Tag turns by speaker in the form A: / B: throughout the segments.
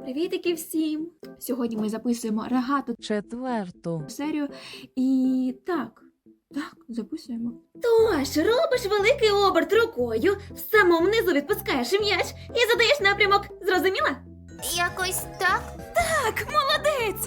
A: Привітики всім! Сьогодні ми записуємо рогату
B: Четверту.
A: серію і так, записуємо.
C: Тож, робиш великий оберт рукою, в самому низу відпускаєш м'яч і задаєш напрямок. Зрозуміла?
D: Якось так?
C: Так, молодець!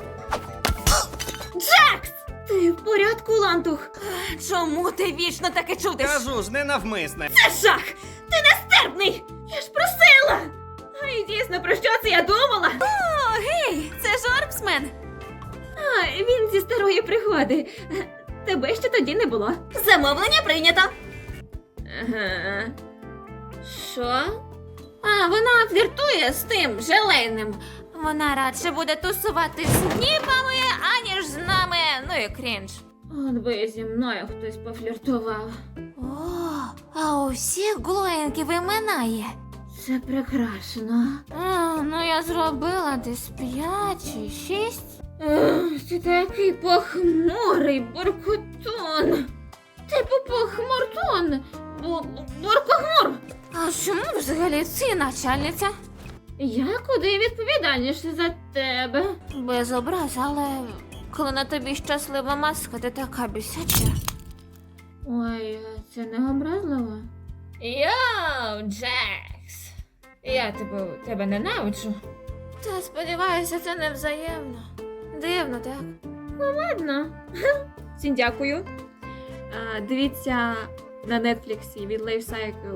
C: Джакс! Ти в порядку, лантух? Чому ти вічно таке чудиш?
E: Кажу ж, ненавмисне.
C: Це жах! Ти нестерпний! Я ж просила! А і дійсно, про що це я думала? О, гей, це ж Орбсмен! А, він зі старої пригоди. Тебе ще тоді не було. Замовлення прийнято. Ага. Що? А, вона фліртує з тим желейним. Вона радше буде тусувати з ніпами, аніж з нами. Ну і крінж. От би зі мною хтось пофліртував.
D: О, а у всіх глоєнків імена є.
C: Це прекрасно.
D: Ну я зробила десь 5 чи 6.
C: Ти такий похмурий буркутон. Типу похмуртон. Буркохмур.
D: А чому взагалі ти начальниця?
C: Я куди відповідальніше за тебе.
D: Без образ, але коли на тобі щаслива маска, ти така бісяча.
C: Ой, це не образливо. Йоу, Джекс. Я тебе ненавиджу.
D: Та сподіваюся, це не взаємно. Дивно, так?
C: Ладно.
A: Всім дякую. Дивіться на Netflix від Life Cycle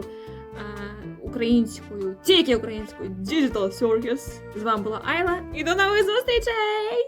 A: українською, тільки українською Digital Circus. З вами була Айла і до нових зустрічей!